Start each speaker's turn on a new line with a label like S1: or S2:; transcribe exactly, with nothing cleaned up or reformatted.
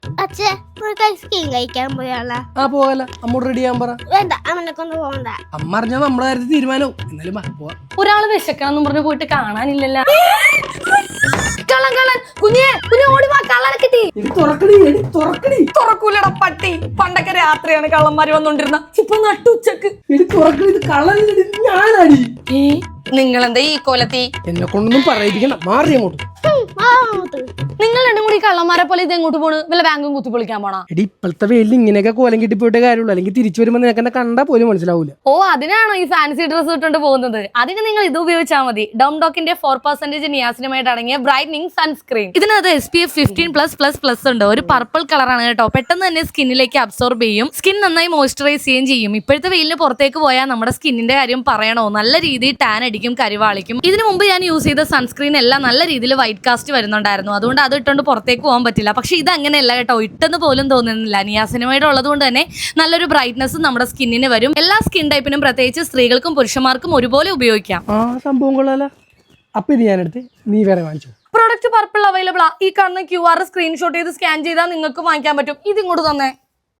S1: അച്ഛേ നമുക്ക് ഐസ്ക്രീം കഴിക്കാൻ പോയാളാ?
S2: ആ പോകല അമ്മോട് റെഡി ചെയ്യാൻ പറ.
S1: വേണ്ട, അമ്മനെ കൊണ്ട് പോകണ്ട.
S2: അമ്മ അറിഞ്ഞാ നമ്മുടെ കാര്യത്തിൽ തീരുമാനവും. എന്നാലും വാ, പോവാ.
S3: ഒരാള് വിശക്കണം പറഞ്ഞ് പോയിട്ട് കാണാനില്ലല്ലോ. കള്ളൻ കള്ളൻ കുഞ്ഞേ കുഞ്ഞെ ഓടി വാ, കള്ളനെ കിട്ടി. തുറക്കൂലട പട്ടി. പണ്ടൊക്കെ രാത്രിയാണ് കള്ളന്മാര് വന്നോണ്ടിരുന്ന, ഇപ്പൊ നട്ടുച്ചക്ക്. ഏ നിങ്ങളെന്താ ഈ കൊലത്തി?
S2: എന്നെ കൊണ്ടൊന്നും പറയിപ്പിക്കണ്ട, മാറി അങ്ങോട്ട്.
S3: നിങ്ങൾ രണ്ടും കൂടി കള്ളന്മാരെ പോലെ ഇത് എങ്ങോട്ട് പോണ്? വല്ല ബാങ്കും കുത്തി പൊളിക്കാൻ പോണാ?
S2: എടി ഇപ്പോഴത്തെ വെയിൽ ഇങ്ങനെയൊക്കെ കോലം കിട്ടി പോയിട്ട് കാര്യമുള്ളൂ. അല്ലെങ്കിൽ തിരിച്ചു വരുമ്പോ നിനക്ക് എന്നെ കണ്ടാ പോലും മനസ്സിലാവൂല.
S3: ഓ അതിനാണോ ഈ ഫാൻസി ഡ്രസ് ഇട്ടുകൊണ്ട് പോകുന്നത്? അതിന് നിങ്ങൾ ഇത് ഉപയോഗിച്ചാൽ മതി. ഡോംഡോക്കിന്റെ ഫോർ പെർസെന്റേജ് നിയാസിനുമായിട്ട് അടങ്ങിയ ബ്രൈറ്റനിങ് സൺസ്ക്രീൻ. ഇതിനകത്ത് S P F fifteen plus plus plus ഉണ്ട്. ഒരു പർപ്പിൾ കളറാണ് കേട്ടോ. പെട്ടെന്ന് തന്നെ സ്കിന്നിലേക്ക് അബ്സോർബ് ചെയ്യും. സ്കിൻ നന്നായി മോയ്സ്ചറൈസ് ചെയ്യുകയും ചെയ്യും. ഇപ്പോഴത്തെ വെയിലിന് പുറത്തേക്ക് പോയാൽ നമ്മുടെ സ്കിന്നിന്റെ കാര്യം പറയണോ, നല്ല രീതിയിൽ ടാൻ അടിക്കും, കരിവാളിക്കും. ഇതിനു മുമ്പ് ഞാൻ യൂസ് ചെയ്ത സൺസ്ക്രീൻ എല്ലാം നല്ല രീതിയിൽ വൈറ്റ് കാസ്റ്റ് വരുന്നുണ്ടായിരുന്നു. അതുകൊണ്ട് അത് ഇട്ടുകൊണ്ട് പുറത്തേക്ക് പോകാൻ പറ്റില്ല. പക്ഷെ ഇത് അങ്ങനെയല്ല കേട്ടോ, ഇട്ടെന്ന് പോലും തോന്നുന്നില്ല. നിയാസിനുമായിട്ട് ഉള്ളത് കൊണ്ട് തന്നെ നല്ലൊരു ബ്രൈറ്റ്നസ് നമ്മുടെ സ്കിന്നിന് വരും. എല്ലാ സ്കിൻ ടൈപ്പിനും പ്രത്യേകിച്ച് സ്ത്രീകൾക്കും പുരുഷന്മാർക്കും ഒരുപോലെ ഉപയോഗിക്കാം.
S2: ആ സംഭവം കൊള്ളാല. അപ്പൊ ഇത് ഞാനെടുത്ത് നീ വേറെ വാങ്ങിച്ചു.
S3: പ്രോഡക്റ്റ് പർപ്പിൾ അവൈലബിൾ ആ. ഈ കാണുന്ന ക്യു ആർ സ്ക്രീൻഷോട്ട് ചെയ്ത് സ്കാൻ ചെയ്താൽ നിങ്ങൾക്ക് വാങ്ങിക്കാൻ പറ്റും. ഇത് ഇങ്ങോട്ട് തന്നെ.